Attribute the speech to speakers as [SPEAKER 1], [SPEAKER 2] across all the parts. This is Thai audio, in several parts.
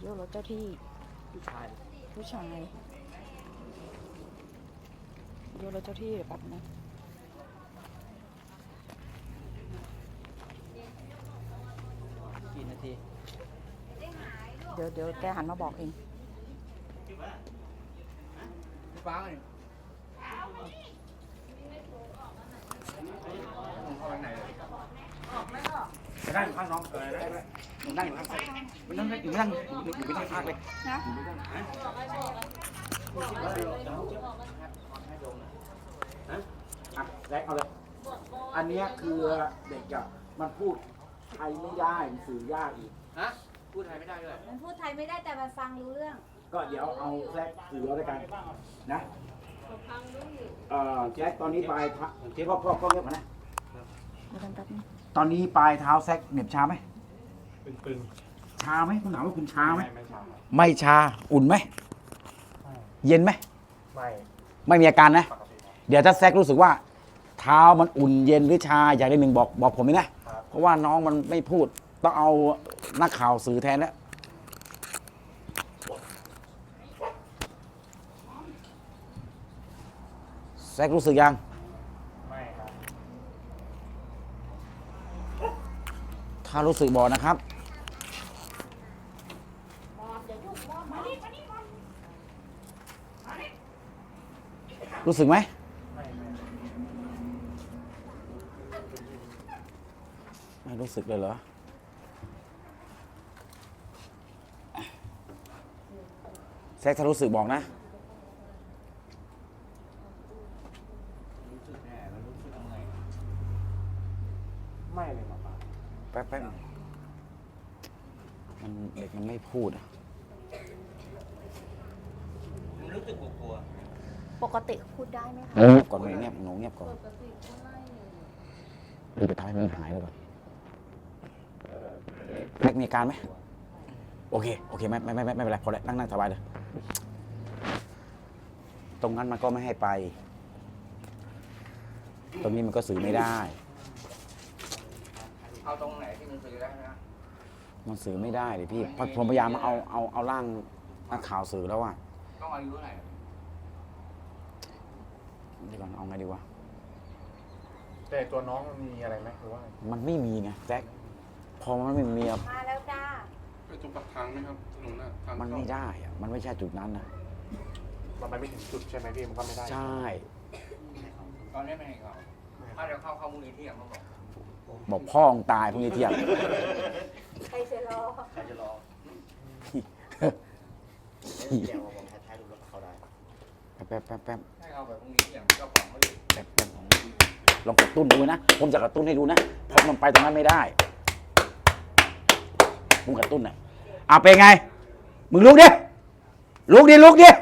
[SPEAKER 1] โยกรถเจ้าที่ผู้ชายโยกรถเจ้าที่เดี๋ยวแป๊บนะ
[SPEAKER 2] กี่นาที
[SPEAKER 1] เดี๋ยวแกหันมาบอกเอง
[SPEAKER 2] ฟ้าไงจะนั่งข้างน้องได้นั่งอยู่ข้างมันนั่งอยู่ไม่ใช่ภาคเลย
[SPEAKER 1] นะ
[SPEAKER 3] แรกเอาเลยอันนี้คือเด็กอะมันพูดไทยไม่ได้สื่อยากอีก
[SPEAKER 2] ฮะพูดไทยไม่ได้ด้วย
[SPEAKER 4] มันพูดไทยไม่ได้แต่มันฟังรู้เรื่อง
[SPEAKER 3] ก็เดี๋ยวเอาแรกสื่อเอาด้วยกันนะแจ็คตอนนี้ปลายพ่อเงียบมานะตอนนี้ปลายเท้าแซกเหน็บชาไหมตึงชาไหมคุณหนาวว่าคุณชาไหมไม่ชาอุ่นไหมเย็นไหมไม่มีอาการนะเดี๋ยวถ้าแซกรู้สึกว่าเท้ามันอุ่นเย็นหรือชาอย่างใดหนึ่งบอกผมเลยนะเพราะว่าน้องมันไม่พูดต้องเอานักข่าวสื่อแทนแล้วแซกรู้สึกยังไม่ครับถ้ารู้สึกบอกนะครับรู้สึกไหมไม่รู้สึกเลยเหรอแซกถ้ารู้สึกบอกนะไม่เลยมาแป๊บมันเด็กมันไม่พูดอ่ะ
[SPEAKER 2] มันรู้สึกกลัว
[SPEAKER 4] ปกติพูดได้ไหมคะ
[SPEAKER 3] เงียบก่อนเงียบหนูเงียบก่อนดูไปท้ายมันหายแล้วก่อนแม็กมีอาการไหมโอเคไม่เป็นไรพอแล้วนั่งสบายเลยตรงนั้นมันก็ไม่ให้ไปตรงนี้มันก็สื่อไม่ได้
[SPEAKER 2] เอาตรงไหนที่มันสื่อได้นะ
[SPEAKER 3] มันสื่อไม่ได้เลยพี่ผมพยายามเอาร่างนักข่าวสื่อแล้วอ่ะ
[SPEAKER 2] ต้องอายุเท่าไหร่
[SPEAKER 3] เดี๋ยวก่อนเอาไงดีวะ
[SPEAKER 5] แต่ตัวน้องมันมีอะไรไหมหรือว่า
[SPEAKER 3] มันไม่มีไงแจ็คพอมันไม่มี
[SPEAKER 4] มาแล้วจ้า
[SPEAKER 5] ไปตรงปากทางไหมครับถนนน่ะทาง
[SPEAKER 3] มันไม่ได้อะมันไม่ใช่จุดนั้นนะ
[SPEAKER 5] มันไม่ถึงจุดใช่ไหมพี่มันก็ไม่ได้
[SPEAKER 3] ใช่
[SPEAKER 2] ตอนนี้ไม่ให้เขาถ้าเดี๋ยวเข้ามูลนิธิเขา
[SPEAKER 3] บอกพ่อองตายพรุ่งนี้เที่ยง
[SPEAKER 4] ใครจะรอ
[SPEAKER 3] เดี๋ยวผมท้ายดูแล้วเขาได้แป๊บ
[SPEAKER 2] ให้เขาแบบพรุ่งนี้เที่ยงเจ้าของเขาอยู่
[SPEAKER 3] แป๊บลองกระตุ้นดูนะผมจะกระตุ้นให้ดูนะเพราะมันไปตรงนั้นไม่ได้ผมกระตุ้นน่ะเป็นไงมึงลุกดิลุก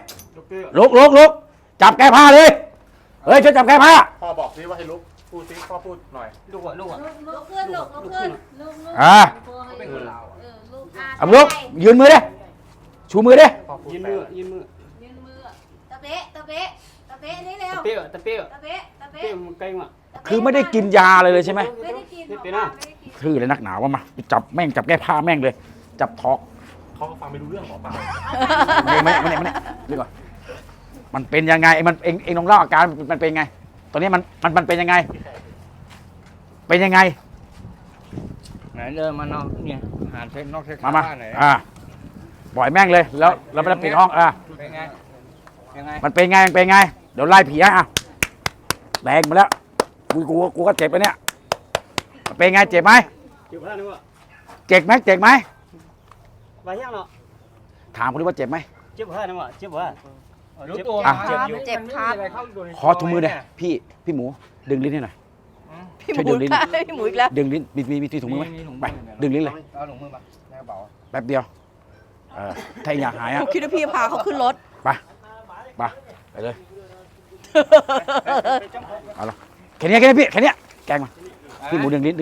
[SPEAKER 3] จับแก้ผ้าเลยเฮ้ยช่วยจับแก้ผ้า
[SPEAKER 5] พ่อบอกซิว่าให้ลุกพูดซิพ่อพูดหน่อย
[SPEAKER 2] ลุก
[SPEAKER 4] ขึ้นลุกขึ้น
[SPEAKER 2] เป็นคนลาว
[SPEAKER 3] ลุกยืนมือดิชูมือดิ
[SPEAKER 2] ยืนมือ
[SPEAKER 4] ตะเป๊ะนี่เร็ว
[SPEAKER 2] ตะเปี้ยมันใกล้มา
[SPEAKER 3] คือไม่ได้กินยาเลยใช่ไหม
[SPEAKER 4] ไม่ได้กิน
[SPEAKER 3] คือเลยนักหนาวว่ามาจับแม่งจับแก้ผ้าแม่งเลยจับทอก
[SPEAKER 5] เขาก็ฟังไม่รู้เรื่องหรอเปล่า
[SPEAKER 3] ไม่ดีกว่ามันเป็นยังไงมันเองลองเล่าอาการมันเป็นยังไงตอนนี้มันเป็นยังไง
[SPEAKER 2] ไหนเดินมาเนาะเนี่ยหาเช็คนอกเช็ค
[SPEAKER 3] มาปล่อยแม่งเลยแล้วเราไปปิดห้อง
[SPEAKER 2] เป็นไง
[SPEAKER 3] มันเป็นไงเดี๋ยวไล่ผีแรงมาแล้วกูก็เจ็บไปเนี่ยเป็นไงเจ็บไหม
[SPEAKER 2] เจ็บแล้ว
[SPEAKER 3] เจ็บไหม
[SPEAKER 2] ไปยังเนาะ
[SPEAKER 3] ถามเขาดิว่าเจ็บไหม
[SPEAKER 2] เจ็บแล้วนะเจ็บวะรู้ตัว
[SPEAKER 1] เจ็บครับ
[SPEAKER 3] ขอถุงมือเลยพี่หมูดึงลิ้นให้หน่อย
[SPEAKER 1] พี่หมูอีกแล้ว
[SPEAKER 3] ดึงลิ้นมีถุงมือไหมไปดึงลิ้นเลย
[SPEAKER 2] เอาถุงมือมาในกระเป๋า
[SPEAKER 3] แป๊บเดียวถ้าอยากหาย
[SPEAKER 1] คิดว่าพี่พาเขาขึ้นรถ
[SPEAKER 3] ไปเลยเอาละแค่นี้พี่แค่นี้แกงมาพี่หมูดึงลิ้น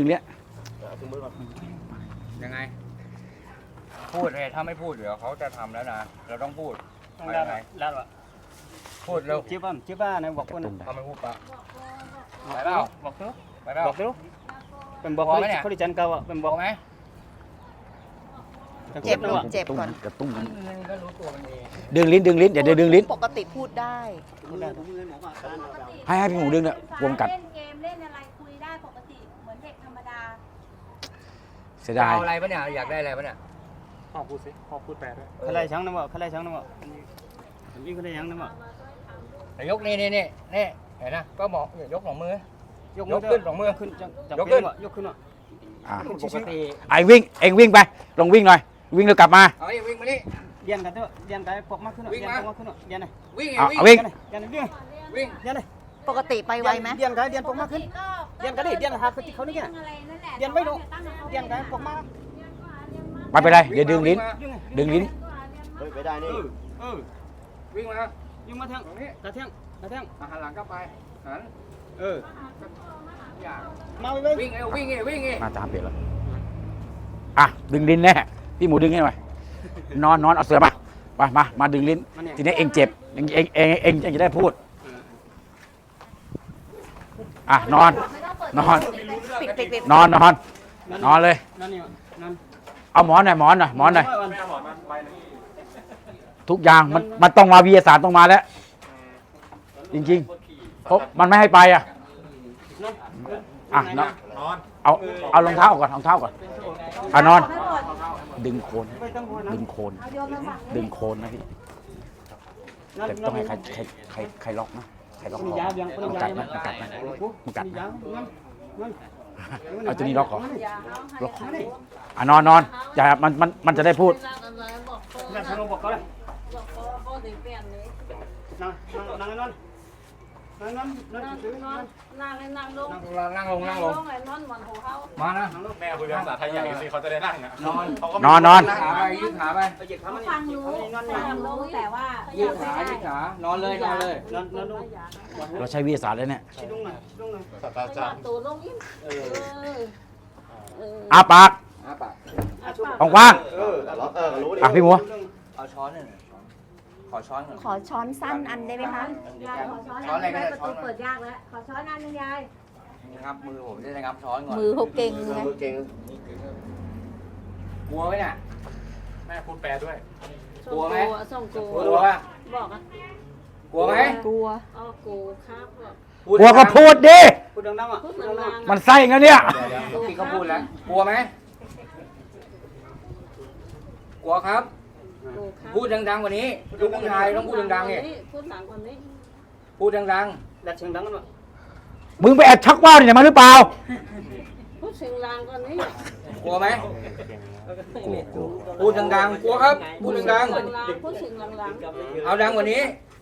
[SPEAKER 2] ยังไงพูดเลยถ้าไม่พูดเดี๋ยวเขาจะทำแล้วนะเราต้องพูดแล้วพูดเร็วจิ๊บบ้านะบอกคนเขาไม่พูดปะไปเปล่าบอกเป็นบอกไหมเนี่ยเขาดิจันเก่าเป็นบอกไหม
[SPEAKER 1] เจ็บเจ็บก่อน
[SPEAKER 3] กระตุ้ง
[SPEAKER 2] ก็รู้ตัวมันเอง
[SPEAKER 3] ดึงลิ้นอย่าดึงลิ้น
[SPEAKER 1] ปกติพูดได้
[SPEAKER 3] ให้พี่หมูดึงเนี่ยวงกัด
[SPEAKER 4] เล่นเกมเล่นอะไรคุยได้ปกติเหมือนเด็กธรรมดา
[SPEAKER 3] เสีย
[SPEAKER 2] จะ
[SPEAKER 3] ดาย
[SPEAKER 2] เอาอะไรปะเนี่ยอยากได้อะไรปะเนี่ย
[SPEAKER 5] พ่อพูดสิพ่อพูดแปลด้วย
[SPEAKER 6] เขาไล่ช้างนะบ่เขาไล่ช้างนะบ่วิ่งเขาไล่ช้างนะบ่
[SPEAKER 2] ยกนี่เห็นนะก็บอกยกสองมือย
[SPEAKER 6] ก
[SPEAKER 2] ขึ้นสองมือ
[SPEAKER 6] ขึ้นจัง
[SPEAKER 2] ยกขึ้น
[SPEAKER 6] ยกขึ้นบ่
[SPEAKER 3] อ่ะ
[SPEAKER 2] ปกติ
[SPEAKER 3] ไอ้วิ่งเองวิ่งไปลงวิ่งหน่อยวิ่งแล้วกลับมา
[SPEAKER 2] เอานี่วิ่งมานี่
[SPEAKER 6] เดียนกันเถอะเดียนกันปกมากขึ้นเดียนปกมากขึ้นเดียนไหน
[SPEAKER 2] วิ่งไง
[SPEAKER 3] เอา
[SPEAKER 2] วิ่ง
[SPEAKER 3] วิ่ง
[SPEAKER 6] เดียนวิ่ง
[SPEAKER 2] วิ่ง
[SPEAKER 6] เดียนไหน
[SPEAKER 1] ปกติไปไวไหม
[SPEAKER 6] เดียนกันเดียนปกมากขึ้นเดียนกันดิเดียนหาเขานี่ไงเดียนไม่ลงเดียนกันปกมาก
[SPEAKER 3] ไม่เป็นไรเดี๋ยวดึงลิ้น ดึงลิ้น
[SPEAKER 6] ไปได้นี่
[SPEAKER 2] วิ่งมา
[SPEAKER 6] ยิงมาแทง
[SPEAKER 2] ตรงนี้
[SPEAKER 6] กระแทงกระแทง
[SPEAKER 2] หันหลังกลับไปหัน อย่า
[SPEAKER 6] มาไป
[SPEAKER 2] วิ่งวิ่งไง
[SPEAKER 3] มาตามเปลี่ยนแล้วอ่ะดึงลิ้นแน่พี่หมูดึงให้หน่อยนอนเอาเสือมาดึงลิ้นทีนี้เองเจ็บเองจะได้พูดอ่ะนอน
[SPEAKER 1] ปิด
[SPEAKER 3] นอนเลย
[SPEAKER 6] นั่นนี่นั่น
[SPEAKER 3] เอาหมอนหน่อยหมอนหน่อยทุกอย่างมันต้องมาวิทยาศาสตร์ต้องมาแล้ว จริงๆเพราะมันไม่ให้ไปอ่ะนอนเอารองเท้าก่อนนอนดึงโคนนะพี่แต่ต้องให้ใครล็อกนะใครล็อกคอมันกัดนะเอาตัวนี้ล็อกคออนอนอย่ามันจะได้พูด
[SPEAKER 6] นั่นทางลงบอกเขาเลยนั่งนอน
[SPEAKER 2] มานะ
[SPEAKER 5] แม่คุยภาษาไทยใหญ่สิเขาจะได้นั่งอ่ะ
[SPEAKER 3] นอน
[SPEAKER 2] ขาไปยืดขาไป
[SPEAKER 6] ไปเหยียบขามัน
[SPEAKER 4] ฟังรู้แต่ว่า
[SPEAKER 2] ยืดขานอนเลย
[SPEAKER 6] นอนลง
[SPEAKER 3] เราใช้วิทยาศาสตร์แล้วเนี่ย
[SPEAKER 6] ชิดลงหน่อย
[SPEAKER 5] ศาสตราจารย์
[SPEAKER 3] อาปาก
[SPEAKER 2] ปาก
[SPEAKER 3] ว่าง
[SPEAKER 5] รู้ดิ
[SPEAKER 3] พี่หมู
[SPEAKER 2] เอาช้อนหน่อยขอช้อนหน่อย
[SPEAKER 1] ขอช้อนสั้นอันได้ไหมคะ
[SPEAKER 4] ยายขอช้อนอะไรก็ได้ประตูเปิดยากแล้วขอช้อนอันนึงยาย
[SPEAKER 2] งับมือผมจะได้งับช้อนก่อน
[SPEAKER 1] มือเขาเก่งไง
[SPEAKER 2] กลัวไหมเนี่ย
[SPEAKER 5] แม่พูดแปลด้วย
[SPEAKER 2] กลัวไหม
[SPEAKER 7] ส่งกู
[SPEAKER 2] กลัวป่ะ
[SPEAKER 7] บอกอ่ะ
[SPEAKER 2] กลัวไหม
[SPEAKER 1] กลัว
[SPEAKER 7] อ๋อกูครับบอก
[SPEAKER 3] กลัวก็พูดดิ
[SPEAKER 6] พูดดังๆอ่ะ
[SPEAKER 7] พูดนานๆ
[SPEAKER 3] มันไส้งั้นเนี่ย
[SPEAKER 2] เดี๋ยวพี่ก็พูดแล้วกลัวไหมกลัวครับ
[SPEAKER 7] กูครับ
[SPEAKER 2] พูดดังๆกว่านี้ลูกผู้ชายต้องพูดดังๆเนี่ย
[SPEAKER 7] พูดดังกว่านี้
[SPEAKER 2] พูดดัง
[SPEAKER 6] ดัดเสียงดังกันวะ
[SPEAKER 3] มึงไปแอบชักว่าวเนี่ยมาหรือเปล่า
[SPEAKER 7] พูดเสียงดังกว่านี้
[SPEAKER 2] ๆกลัวไหม
[SPEAKER 3] กลัว
[SPEAKER 2] พูดดังๆกลัวครับพูดดัง
[SPEAKER 7] พูดเสียงดัง
[SPEAKER 2] ๆเอาดังกว่านี้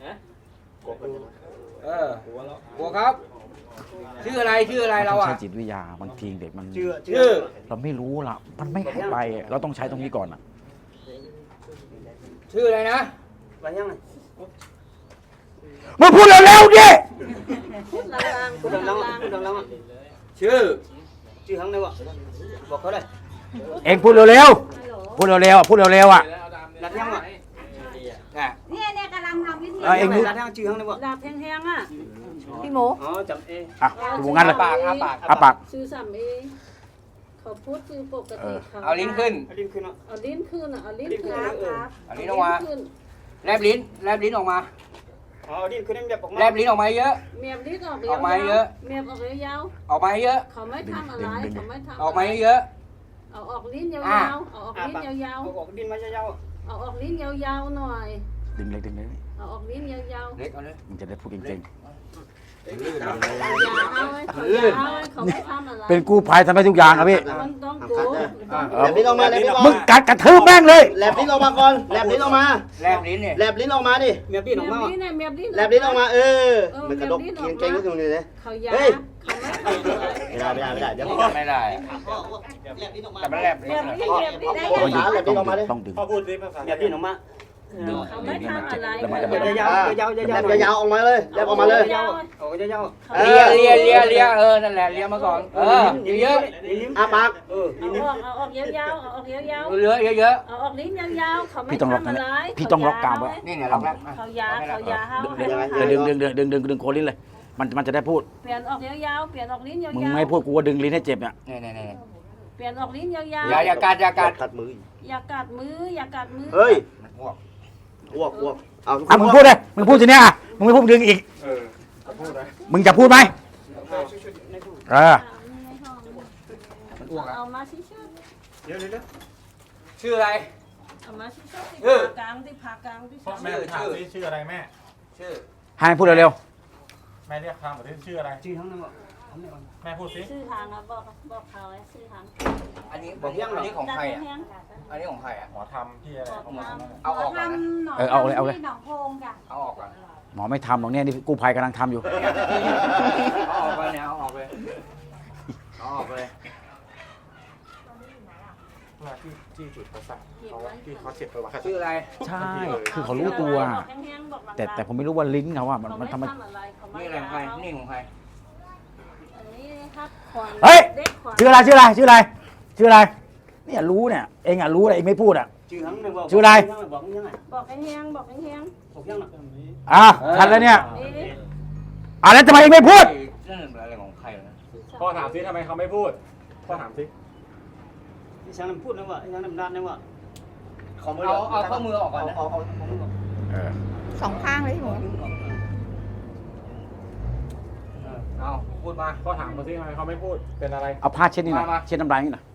[SPEAKER 2] กลัวครับชื่ออะไรเรา
[SPEAKER 3] ต้อง
[SPEAKER 2] อ่ะ
[SPEAKER 3] ใช้จิตวิทยาบางทีเด็กมัน
[SPEAKER 2] ชื่อ
[SPEAKER 3] เราไม่รู้ล่ะมันไม่ให้ไปเราต้องใช้ตรงนี้ก่อนอ่ะ
[SPEAKER 2] ชื่ออะไรนะ
[SPEAKER 6] ไปยังไง
[SPEAKER 3] มึงพูดเร็วๆดิ
[SPEAKER 7] ๆพูดดังๆ
[SPEAKER 6] พูดดังๆพูดดังๆอ่ะ
[SPEAKER 2] ชื่อ
[SPEAKER 6] ชื่อหังเลยวะบอกเขาเลย
[SPEAKER 3] เองพูดเร็วๆพูดเร็วๆอ่ะ
[SPEAKER 6] ดัดยังอ่ะ
[SPEAKER 4] เนี่ยกำลังทำวิธี
[SPEAKER 3] เองดู
[SPEAKER 6] ดัดยังชื่อหังเลยวะ
[SPEAKER 7] ดาบแห้งๆอ่ะ
[SPEAKER 1] พี่หมู
[SPEAKER 6] อ๋อจำเอ
[SPEAKER 3] อ่ะดูงั้นเลย
[SPEAKER 2] ปากอาปาก
[SPEAKER 3] อาปาก
[SPEAKER 7] ชื่อสามเอเขาพูดคือปกติเขา
[SPEAKER 2] เอาลิ้นขึ้น
[SPEAKER 6] ดิ้นขึ้นอ่ะ
[SPEAKER 7] เอาลิ้นขึ้นอ่ะเอาลิ้นขึ้น
[SPEAKER 2] เอาลิ้นออกมาแลบลิ้นออกมา
[SPEAKER 6] อ๋อดิ้นขึ้นนี่แบบออกมา
[SPEAKER 2] แลบลิ้นออกมาเยอะ
[SPEAKER 7] เมียบลิ้นออก
[SPEAKER 2] ออกมาเยอะ
[SPEAKER 7] เมียบออกยาว
[SPEAKER 2] ออกมาเยอะ
[SPEAKER 7] ๆเขาไม่ทำอะไรเขาไม่ทำ
[SPEAKER 2] ออกมาเยอะ
[SPEAKER 7] เอาออกลิ้นยาวๆเอาออกลิ้นยาว
[SPEAKER 6] ออกดิ้นมายาว
[SPEAKER 7] ๆเอาออกลิ้นยาวๆหน่อย
[SPEAKER 3] ดึงเลย
[SPEAKER 7] เอาออกลิ้นยาว
[SPEAKER 2] เล็กเอาเลย
[SPEAKER 3] มึงจะได้พูดเก่ง
[SPEAKER 7] ๆอย่าเอาให้เขาไม่ทำอะไร
[SPEAKER 3] ๆเป็นกู้ภัยทำให้ทุกอย่างครับพี่
[SPEAKER 7] มันต้องกู
[SPEAKER 8] แลบลิ้นออกมาแลบลิ้นออก
[SPEAKER 3] มึ
[SPEAKER 8] มาง
[SPEAKER 3] กัดกระทืบแม่งเลย
[SPEAKER 8] แลบลิ้นออกมาก่อนแลบลิ้นออกมา
[SPEAKER 2] แลบลิ้นเนี่ย
[SPEAKER 8] แลบลิ้นออกมาดิ
[SPEAKER 6] เมียดิ้นออกมา
[SPEAKER 7] ลิ้นเนี่ยเมียลิ้น
[SPEAKER 8] แลบลิ้นออกมามันกระดกเก่งๆก็ตรงนี้เลย
[SPEAKER 7] เขายา
[SPEAKER 8] เฮ้ย
[SPEAKER 7] เขาไม่ทำอะไร
[SPEAKER 8] ไม่ได้เดี๋ยว
[SPEAKER 2] ไม่ได้แต่มันแลบลิ้น
[SPEAKER 7] เมียลิ้นได้
[SPEAKER 8] ภาษาแลบลิ้นออกมาดิ
[SPEAKER 3] ต้องดึง
[SPEAKER 5] พ่อพูดสิภาษา
[SPEAKER 6] เมียดิ้นออกมา
[SPEAKER 3] ดึง
[SPEAKER 7] เขาไม่ทำอะไร
[SPEAKER 3] แล้วมันจะ
[SPEAKER 6] ยาวๆยาวๆ
[SPEAKER 8] แล
[SPEAKER 6] ยาว
[SPEAKER 8] บยาวๆออกมาเลยแลบออกมาเลย
[SPEAKER 6] ๆออกยาว
[SPEAKER 2] เลียนั่นแหละเลียมาก่อนเยอะ
[SPEAKER 8] อาปาก
[SPEAKER 6] ๆ
[SPEAKER 7] เอาออกยาวๆเอาออกยาว
[SPEAKER 2] เยอะเยอะ
[SPEAKER 7] ๆเอาออกลิ้นยาวๆเขาไม่
[SPEAKER 3] พี่ต้องล็อก
[SPEAKER 7] ทำ
[SPEAKER 3] นะ
[SPEAKER 7] อะไร
[SPEAKER 3] พี่ต้องล็อกกลางไว้
[SPEAKER 2] นี่เนี่ยล็อกแล้ว
[SPEAKER 7] เขายาเขายาเขา
[SPEAKER 3] ดึงโคนลิ้นเลย มันจะได้พูด
[SPEAKER 7] เปลี่ยนออกยาวๆเปลี่ยนออกลิ้นยาวๆ
[SPEAKER 3] มึงไม่พูดกูว่าดึงลิ้นให้เจ็บเนี่ย
[SPEAKER 2] นี่
[SPEAKER 7] เปลี่ยนออกลิ้นยาว
[SPEAKER 2] อย่ากัด
[SPEAKER 8] กัดมือ
[SPEAKER 7] ๆอย่ากัดมืออย่ากัดมือ
[SPEAKER 8] เฮ้ย
[SPEAKER 2] มันอ้วก
[SPEAKER 8] อ้วกเอา
[SPEAKER 3] อ่ะมึงพูดเลยมึงพูดทีเนี้ยอ่ะมึงไม่พูดดึงอีก มึงจะพูดไหมเออ
[SPEAKER 2] มันอ้วกอ่ะ
[SPEAKER 7] เอามาชิชุด
[SPEAKER 2] ชื่ออะไร
[SPEAKER 7] เอามาชิชุดที่ผ่ากลางที่ผ่ากลางที่
[SPEAKER 5] แม่ถามสิชื่ออะไรแม่
[SPEAKER 2] ชื่อ
[SPEAKER 3] ให้พูดเร็ว
[SPEAKER 5] แม่เรียกคำหรือชื่ออะไร
[SPEAKER 6] ชื่อทั้งนั้นบ่
[SPEAKER 5] แม่พูดสิ
[SPEAKER 7] ชื่อทางอ่ะบอกเขาไว้ชื่อทาง
[SPEAKER 2] อันนี้อันนี้ของใครอ่ะอันนี้ของใครอ่ะ
[SPEAKER 5] หมอทำที่อะไร
[SPEAKER 2] เอาออกก่อนนะ
[SPEAKER 3] ๆเอาเลยเอาเลย
[SPEAKER 4] หนองโพงจ้ะ
[SPEAKER 2] เอาออกก่อน
[SPEAKER 3] หมอไม่ทำหรอกเนี่ยนี่กู้ภัยกำลังทำอยู่
[SPEAKER 2] เอาออกไปเนี่ยเอาออกเลยเอาออกเลย
[SPEAKER 5] เวลาที่จุดประสาทเขาที่เขาเจ็บประวัติ
[SPEAKER 2] ชื่ออะไร
[SPEAKER 3] ใช่ คือเขารู้ตัว แต่ผมไม่รู้ว่าลิ้นเขาอ่ะมันทำไม
[SPEAKER 2] นี่อะไรของใครนี่ของใคร
[SPEAKER 7] อันนี้ครับ
[SPEAKER 3] เฮ้ย ชื่ออะไรเนี่ยรู้เนี่ยเองอ่ะรู้เลยเองไม่พูดอ่ะ
[SPEAKER 6] ชื่อทั้งนั้นบ่
[SPEAKER 3] ชื่ออะไร
[SPEAKER 6] บอกยังไง
[SPEAKER 7] บอกแห้งๆบอกแห้ง
[SPEAKER 6] บอกยังน่ะ
[SPEAKER 3] อ่ะทันแล้วเนี่ย
[SPEAKER 7] ๆนี่
[SPEAKER 3] อ่ะแล้วทำไมเองไม่พูด
[SPEAKER 2] นั่นอะไรของใครนะ
[SPEAKER 5] พ่อถามสิทำไมเขาไม่พูดพ่อถามสิ
[SPEAKER 6] ที่ฉันพูดนะว่าฉันดันนะว่า
[SPEAKER 2] เอาข้อมือออกก่อนนะ
[SPEAKER 1] สองข้างเลยพี่หมู
[SPEAKER 2] เอาพูดมา
[SPEAKER 5] พ่อถามเขาสิทำไมเขาไม่พูดเป็นอะไร
[SPEAKER 3] เอาผ้าเช็ดนี่หน่อย
[SPEAKER 2] มา
[SPEAKER 3] เช็ดน้ำลายนี่หน่อย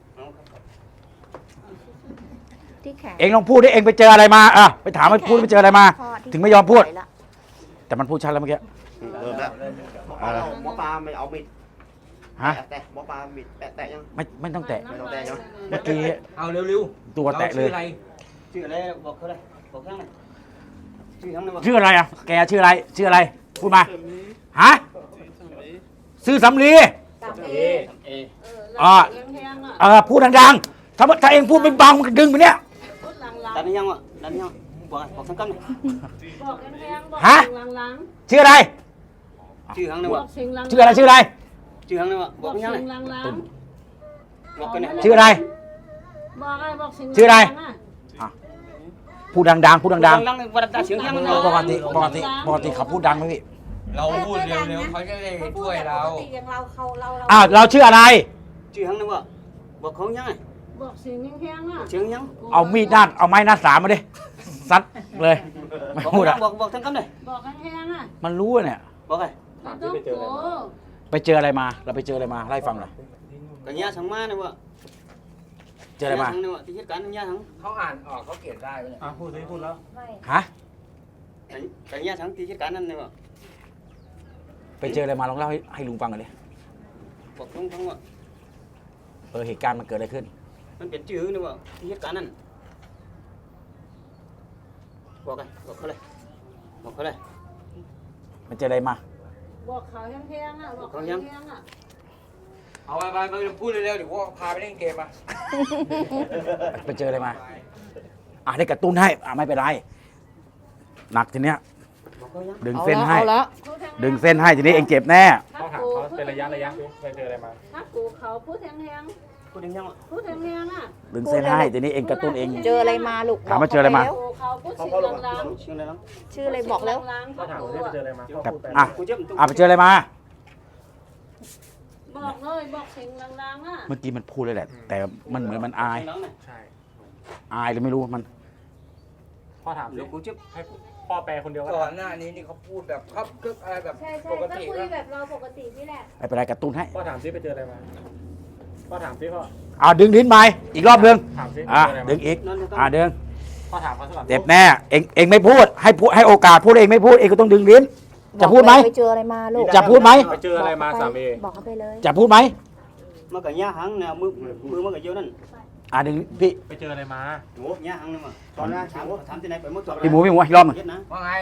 [SPEAKER 1] ที่แขน
[SPEAKER 3] เองลองพูดดิเองไปเจออะไรมาอ่ะไปถามมันพูดไปเจออะไรมา
[SPEAKER 1] พ่ที่
[SPEAKER 3] ถึงไม่ยอมพูด
[SPEAKER 1] ไหวละ
[SPEAKER 3] แต่มันพูดชัดแล้วเมื่อกี้
[SPEAKER 8] เริ่มแล้วหมอปลาไม่เอามิด
[SPEAKER 3] ฮะ
[SPEAKER 8] แตะหมอปลามิดแตะยัง
[SPEAKER 3] ไม่ต้องแตะ
[SPEAKER 8] ไม่ต้องแตะใช่ไหม
[SPEAKER 3] เมื่อกี้
[SPEAKER 2] เอาเร็ว
[SPEAKER 3] ตัวแตะเลย
[SPEAKER 6] ชื่ออะไรบอกเขาเลยบอกยังไงชื่อทั้งนั้นบ่
[SPEAKER 3] ชื่ออะไรอ่ะแกชื่ออะไรพูดมาฮะชื่อสำลี
[SPEAKER 5] เอ
[SPEAKER 6] เอ
[SPEAKER 3] อ่า
[SPEAKER 7] แห้งๆอ่ะ
[SPEAKER 3] พูดดังๆถ้าเองพูดเป็นบางมันก็ดึงไปเนี่ย
[SPEAKER 7] พูดหลัง
[SPEAKER 6] ดันยังวะดันยังบอกทั้งกัน
[SPEAKER 7] ๆบอกแห้งๆบอก
[SPEAKER 3] ฮะ
[SPEAKER 7] สิ่งหลัง
[SPEAKER 3] ชื่ออะไร
[SPEAKER 6] ชื่อทั้งนั้น
[SPEAKER 7] ๆบ
[SPEAKER 6] วะ
[SPEAKER 7] อกสิ่งหลังๆ
[SPEAKER 3] ชื่ออะไร
[SPEAKER 6] ชื่อทั้งนั้นวะ
[SPEAKER 7] บบ อ
[SPEAKER 6] อก กยัง
[SPEAKER 7] สิ่
[SPEAKER 6] ไง
[SPEAKER 7] งหลัง
[SPEAKER 6] บอกกันเนี่ย
[SPEAKER 3] ชื่ออะไร
[SPEAKER 7] ๆบอกอะไรบอกสิ่ง
[SPEAKER 3] ชื่ออะไร
[SPEAKER 7] หลังๆ
[SPEAKER 3] พูดดังๆพูดดัง
[SPEAKER 6] ดังวันดังเสียงยัง
[SPEAKER 3] ๆปกติเขาพูดดังไหมพี่
[SPEAKER 2] เราพูดเร็วๆเขาจะได้ช่วยเรา
[SPEAKER 4] ปกติอย่างเราเรา
[SPEAKER 3] อ้าวเราชื่ออะไร
[SPEAKER 6] ชื่อทั้งนั้นวะบอกเขายังไง
[SPEAKER 7] บอกสิ่งแห้งๆอ่ะ
[SPEAKER 6] เสียงยัง
[SPEAKER 3] เอามีดด้านเอาไม้หน้าสามมาดิซัดเลยไม่พูดอ่ะ
[SPEAKER 6] บอกทั้งกันเลย
[SPEAKER 7] บอกแห้งๆอ่ะ
[SPEAKER 3] มันรู้เนี่ย
[SPEAKER 6] บอกไง
[SPEAKER 5] ถาม
[SPEAKER 7] ต้
[SPEAKER 5] ที่
[SPEAKER 7] อง
[SPEAKER 5] ไปเจออะไร
[SPEAKER 7] โก
[SPEAKER 5] มา
[SPEAKER 3] ไปเจออะไรมาเราไปเจออะไรมาไล่ฟังหน่อย
[SPEAKER 6] กันยาทั้งมาเนี่ยวะ
[SPEAKER 3] เจออะไรมา
[SPEAKER 6] ทั้งเนี่ยวะที่เหตุการณ์ทั้งยาทั้ง
[SPEAKER 2] เขาอ่านออกเขาเขียนได้ไหมเนี่ย
[SPEAKER 5] พูดสิพูดแล้ว
[SPEAKER 3] ฮะ
[SPEAKER 6] กันยาทั้งที่เหตุการณ์นั้นเนี่ยวะ
[SPEAKER 3] ไปเจออะไรมาลองเล่าให้ลุงฟังหน่อยดิ
[SPEAKER 6] บอกทั้งวะ
[SPEAKER 3] เหตุการณ์มันเกิดอะไรขึ้น
[SPEAKER 6] มันเป็นชื่อเนี่ยวะที่เหตุการณ์นั้นบอกไงบอกเขาเลยบอกเขาเลย
[SPEAKER 3] มันเจออะไรมา
[SPEAKER 7] บอกเขาแห้งๆอ่ะบอกเขาแห้งๆอ่ะ
[SPEAKER 2] เอาไปพูดเร็วๆเดี๋ยวพวกพาไปเล่นเกมมา
[SPEAKER 3] ไปเจออะไรมาได้กระตุ้นให้ไม่เป็นไรหนักทีเนี้ย
[SPEAKER 6] บอกเขายัง
[SPEAKER 3] ดึงเส้นให้
[SPEAKER 1] เอาละ
[SPEAKER 3] ดึงเส้นให้ทีนี้เองเจ็บแน่
[SPEAKER 5] พ่อถามเขาเป็นระยะสิไปเจออะไรมา
[SPEAKER 7] ถ้ากูเขาพูดแห้ง
[SPEAKER 6] พูดยังวะ
[SPEAKER 7] ๆพูดแห้งๆอ่ะ
[SPEAKER 3] ดึงเส้นให้ทีนี้เองกระตุ้นเอง
[SPEAKER 1] เจออะไรมาลูก
[SPEAKER 3] ถามว่าเจออะไรมา
[SPEAKER 1] บก
[SPEAKER 7] กูเขาพูดสิ่งหลัง
[SPEAKER 6] ชื่ออะไรน้อง
[SPEAKER 7] ๆ
[SPEAKER 1] ชื่ออะไรบอกแล้ว
[SPEAKER 7] หลังๆ
[SPEAKER 5] พ่อถามว่าไปเจออะไรมาพ่อ
[SPEAKER 3] แบบ
[SPEAKER 5] พูดไป
[SPEAKER 3] อ่ะ
[SPEAKER 6] กูเจ็บ
[SPEAKER 3] ไปเจออะไรมา
[SPEAKER 7] บอกเลยบอกสิ่งหลังๆอ่ะ
[SPEAKER 3] เมื่อกี้มันพูดเลยแหละ แต่มันเหมือนมันอาย
[SPEAKER 5] ใช่
[SPEAKER 3] อายหรือไม่รู้มัน
[SPEAKER 5] พ่อถามสิ
[SPEAKER 6] เดี๋ยวกูเจ็บ
[SPEAKER 5] ให้พ่อแปลคนเดียวก็
[SPEAKER 2] ก่อ
[SPEAKER 5] ได้
[SPEAKER 2] นหน้านี้นี่เขาพูดแบบครับกึกอะไรแบบ
[SPEAKER 4] ใช่ใช่
[SPEAKER 2] ปก
[SPEAKER 4] ก็
[SPEAKER 2] ติ
[SPEAKER 4] คุย
[SPEAKER 2] แล้ว
[SPEAKER 4] แบบเราปกตินี่แหละ
[SPEAKER 3] ไม่เป็นไรกระตุ้นให้
[SPEAKER 5] พ่อถามสิไปเจออะไรมาพ่อถามสิพ่อ
[SPEAKER 3] ดึงลิ้นไปอีกรอบนึง
[SPEAKER 5] ถามสิ
[SPEAKER 3] ดึงอีก
[SPEAKER 6] นั่นจะต้อง
[SPEAKER 3] ดึง
[SPEAKER 5] พ่อถามเขาสลับ
[SPEAKER 3] เจ็บแน่เองไม่พูดให้โอกาสพูดเองไม่พูดเองก็ต้องดึงลิ้น จะพูดไหม
[SPEAKER 1] ไปเจออะไรมาลูก
[SPEAKER 3] จะพูดไหม
[SPEAKER 5] ไปเจออะไรมาสามี
[SPEAKER 1] บอกเขาไปเลย
[SPEAKER 3] จะพูดไหม
[SPEAKER 6] มากับยาหังเนี่ยมือมากับเยอะนั่น
[SPEAKER 3] ดึงพี่
[SPEAKER 5] ไปเจออะไรมา
[SPEAKER 6] โอ้ยาหังเนี่ยมาตอนแรกถามที่ไหนไปหมด
[SPEAKER 3] พี่หมูอีกรอบหนึ่ง
[SPEAKER 6] เย็ดนะ
[SPEAKER 2] ว่าไง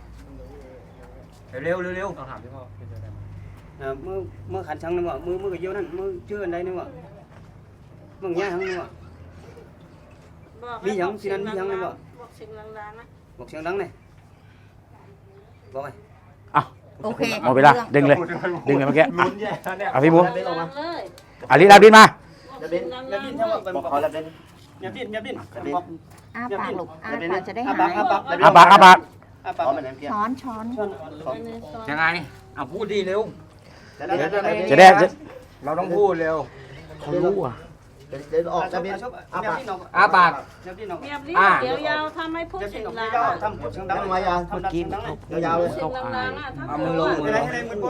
[SPEAKER 2] เร็ว
[SPEAKER 5] ต้องถามที่พ่อไปเจออะไรมา
[SPEAKER 6] มือขันชังเนี่ยว่ามือกับเยอะนั่นมือชื่ออะไรเนี่ยว่ามึงยาหังเนี่ยว่า
[SPEAKER 7] บอก
[SPEAKER 6] มีหยังสินั่นมีหยังเลยบ่
[SPEAKER 7] บอกสิ่งหลังๆนะ
[SPEAKER 6] บอกเสียงดังเนี่ยบอกไง
[SPEAKER 1] โอเค
[SPEAKER 3] หมดเวลาดึงเลยเมื่อกี้
[SPEAKER 5] ลุ้นแย่เนี่ย
[SPEAKER 3] พี่หมู
[SPEAKER 7] เลย
[SPEAKER 3] ลิ้นลิ้นมา
[SPEAKER 7] บอกสิ่งหลัง
[SPEAKER 6] อย่าดิ้น
[SPEAKER 7] ๆ
[SPEAKER 6] ใช่
[SPEAKER 7] เล
[SPEAKER 6] ป่ะ
[SPEAKER 7] ย
[SPEAKER 6] บอกเขาแล้วดิ้นอย่าดิ้นบอก
[SPEAKER 1] อ้าปากลูกอ้าปากจะได้หาย
[SPEAKER 3] อาปาก
[SPEAKER 6] ปาก
[SPEAKER 1] ช้อนช้อน
[SPEAKER 2] ยังไงเอาพูดดีเร็ว
[SPEAKER 3] จะได้
[SPEAKER 2] เราต้องพูดเร็ว
[SPEAKER 3] เขารู้อ่ะ
[SPEAKER 8] เดินออกจะมี
[SPEAKER 2] อ้า
[SPEAKER 8] อ้าปาก
[SPEAKER 2] ปาก
[SPEAKER 7] เงียบลิ้นเดี๋ยวยาวทำให้พูดเสียงดัง
[SPEAKER 8] ทำพูดเสียงดังมายาวเมื่อกี้ยาวเลย
[SPEAKER 7] เสียงดังๆอ่ะถ้า
[SPEAKER 2] เอามือลงมือลง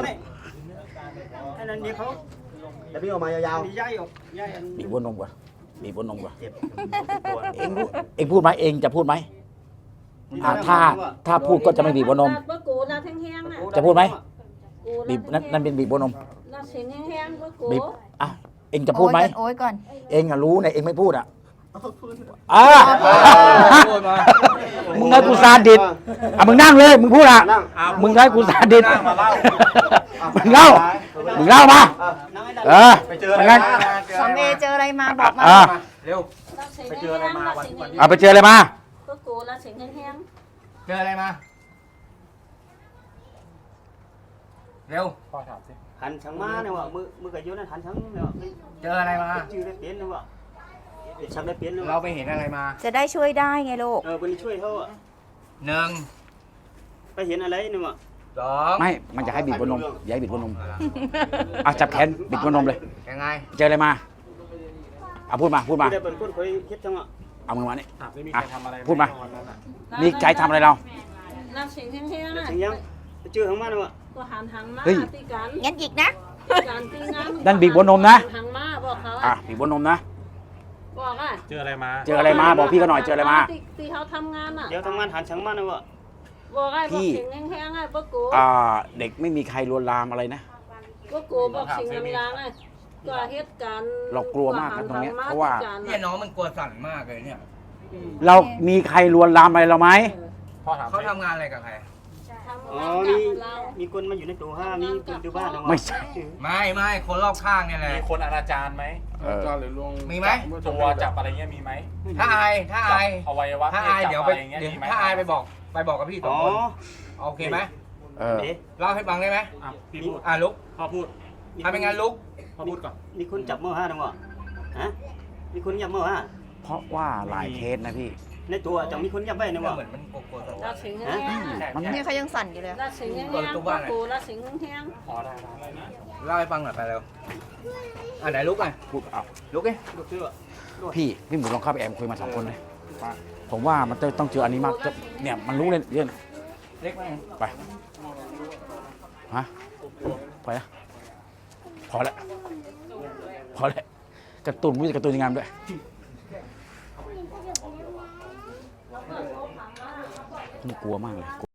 [SPEAKER 8] จะพี่ออกมายาว
[SPEAKER 3] บีบหัวนมก่อนบีบหัวนมก่อน
[SPEAKER 8] เจ็บ
[SPEAKER 3] เองพูดไหมเองจะพูดไหมถ้าพูดก็จะไม่บีบหัวนม
[SPEAKER 7] ว่ากูน่ะแห้งๆน่ะ
[SPEAKER 3] จะพูดไหม
[SPEAKER 7] กู
[SPEAKER 3] บีบนั่นเป็นบีบหัวนม
[SPEAKER 7] น่ะเสียงแห้งๆว่ากู
[SPEAKER 3] บีบอ่ะเองจะพูดไหม
[SPEAKER 1] โอ้ยก่อน
[SPEAKER 3] เองอะรู้เนี่ยเองไม่พูดอ่ะมึงให้กูซาดิสมึงนั่งเลยมึงพูดอ่ะมึงให้กูซาดิสมึงเล่ามา
[SPEAKER 5] ไปเจอ
[SPEAKER 3] งั้น
[SPEAKER 1] สองเอเจออะไรมาบอกมา
[SPEAKER 2] เร็ว
[SPEAKER 7] ไปเจออะไรมา
[SPEAKER 3] ไปเจออะไรมา
[SPEAKER 7] ว่ากูน่ะเสียงแห้ง
[SPEAKER 2] เจออะไรมาเร็ว
[SPEAKER 5] พ่อถามสิ
[SPEAKER 6] หันชังมาเนี่ยว่ะมือกับยุนั่นหันชังเนี่ย
[SPEAKER 2] เจออะไรมา
[SPEAKER 6] ชื่อได้เปลี่ยนเนี่ยว่ะชักได้เปลี่ยนเนี่ย
[SPEAKER 2] เราไปเห็นอะไรมา
[SPEAKER 1] จะได้ช่วยได้ไงลูก
[SPEAKER 6] วันนี้ช่วยเขาอ่ะ
[SPEAKER 2] หนึ่ง
[SPEAKER 6] ไปเห็นอะไรเนี่ยว่ะ
[SPEAKER 2] สอง
[SPEAKER 3] ไม่มันจะให้บีบบนนมอย่าให้บีบบนนมจับแขนบีบบนนมเลย
[SPEAKER 2] ยังไง
[SPEAKER 3] เจออะไรมาพูดมา
[SPEAKER 6] ได้เป็นคนเคยคิดจังอ่ะ
[SPEAKER 3] เอามือมานี่
[SPEAKER 5] ไม่มีใครทำอะไร
[SPEAKER 3] พูดมา
[SPEAKER 5] วันนั้นน่ะ
[SPEAKER 7] ๆ
[SPEAKER 3] นี่ใจทำอะไรเรา
[SPEAKER 7] น่ะเสียงแห้งๆน่ะ
[SPEAKER 6] ถึงยังชื่อของมันเนี่ยว่ะ
[SPEAKER 7] ก็หันมา
[SPEAKER 3] เฮ้ย
[SPEAKER 7] ตีกัน
[SPEAKER 1] งั้นอีกนะ
[SPEAKER 7] การตีงาน
[SPEAKER 3] นั่นบีบบนนมนะ
[SPEAKER 7] หันมาบอกเขา
[SPEAKER 3] บีบบนนมนะ
[SPEAKER 7] บอกอ่ะ
[SPEAKER 5] เจออะไรมา
[SPEAKER 3] เจออะไรมาบอกพี่เขาหน่อยเจออะไรมา
[SPEAKER 7] ตีเขาทำงานอ่ะ
[SPEAKER 6] เดี๋ยวทำงานหันชังมาเนี่ยว่ะ
[SPEAKER 7] บอกไอ้บอก
[SPEAKER 3] พี่
[SPEAKER 7] เสียงแห้งๆไอ้บอกกู
[SPEAKER 3] เด็กไม่มีใครลวนลามอะไรนะ
[SPEAKER 7] บอกกูบอกเสียงดังๆไอ้ก็เหตุการณ์
[SPEAKER 3] เรากลัวมากนะตรงเนี้ยเพราะว่า
[SPEAKER 2] เนี่ยน้องมันกลัวสั่นมากเลยเนี่ย
[SPEAKER 3] เรามีใครลวนลามอะไรเราไหม
[SPEAKER 5] พ่อถาม
[SPEAKER 2] เขาทำงานอะไรกับใคร
[SPEAKER 6] อ๋อมีคนมาอยู่ในตัวห้ามีคนดูบ้านนะว่ะ
[SPEAKER 3] ไม่ใช่
[SPEAKER 2] ไม่คนรอบข้างเนี่ยแหละ
[SPEAKER 5] มีคนอนาจารไหมหรือลวง
[SPEAKER 2] มีไหม
[SPEAKER 5] ตัวจับอะไรเงี้ยมีไหม
[SPEAKER 2] ถ้าอาย
[SPEAKER 5] อวัยวะ
[SPEAKER 2] ถ้าอาย
[SPEAKER 5] จับ
[SPEAKER 2] เดี๋ยว
[SPEAKER 5] อะ
[SPEAKER 2] ไป
[SPEAKER 5] ไรเงี้ยมีไหม
[SPEAKER 2] ถ้าอายไปบอกกับพี่สอ
[SPEAKER 6] อ๋
[SPEAKER 2] ง
[SPEAKER 6] อ
[SPEAKER 2] คนโอเคไหม
[SPEAKER 6] เอ๊ะ
[SPEAKER 2] เล่าให้ฟังได้ไหม
[SPEAKER 5] พี่พูด
[SPEAKER 2] ลุก
[SPEAKER 5] พ่อพูด
[SPEAKER 2] ถ้าเป็นงานลุก
[SPEAKER 5] พ่อพูดก่อน
[SPEAKER 6] มีคนจับมือห้านะว่ะฮะมีคนจับมือห้า
[SPEAKER 3] เพราะว่าหลายเคสนะพี่
[SPEAKER 6] ในตัวจังมีคนจับไว้นะว่ะ
[SPEAKER 2] เหมือนมันกลัวสั่น
[SPEAKER 7] ราเสียงแห้ง
[SPEAKER 3] มัน
[SPEAKER 1] นี่เขายังสั่นอยู่เลย
[SPEAKER 7] ราเสียงแห้งบอกกูราเสียงแห้ง
[SPEAKER 5] อ๋อได้
[SPEAKER 2] เล่าให้ฟังหน่อยไปเร็วไหนลุกอ่ะ
[SPEAKER 3] พูดเอา
[SPEAKER 2] ลุกดิ
[SPEAKER 6] ลูกเชื่อ
[SPEAKER 3] พี่หมูลองเข้าไปแอมคุยมา2 คนเลยผมว่ามันต้องเจออันนี้มากเนี่ยมันรู้เลยเรื่อง
[SPEAKER 2] เล็กไหม
[SPEAKER 3] ไปฮะไปนะพอแล้วกระตุ้นวิ่งกระตุ้นยังไงด้วยนี่กลัวมากเลย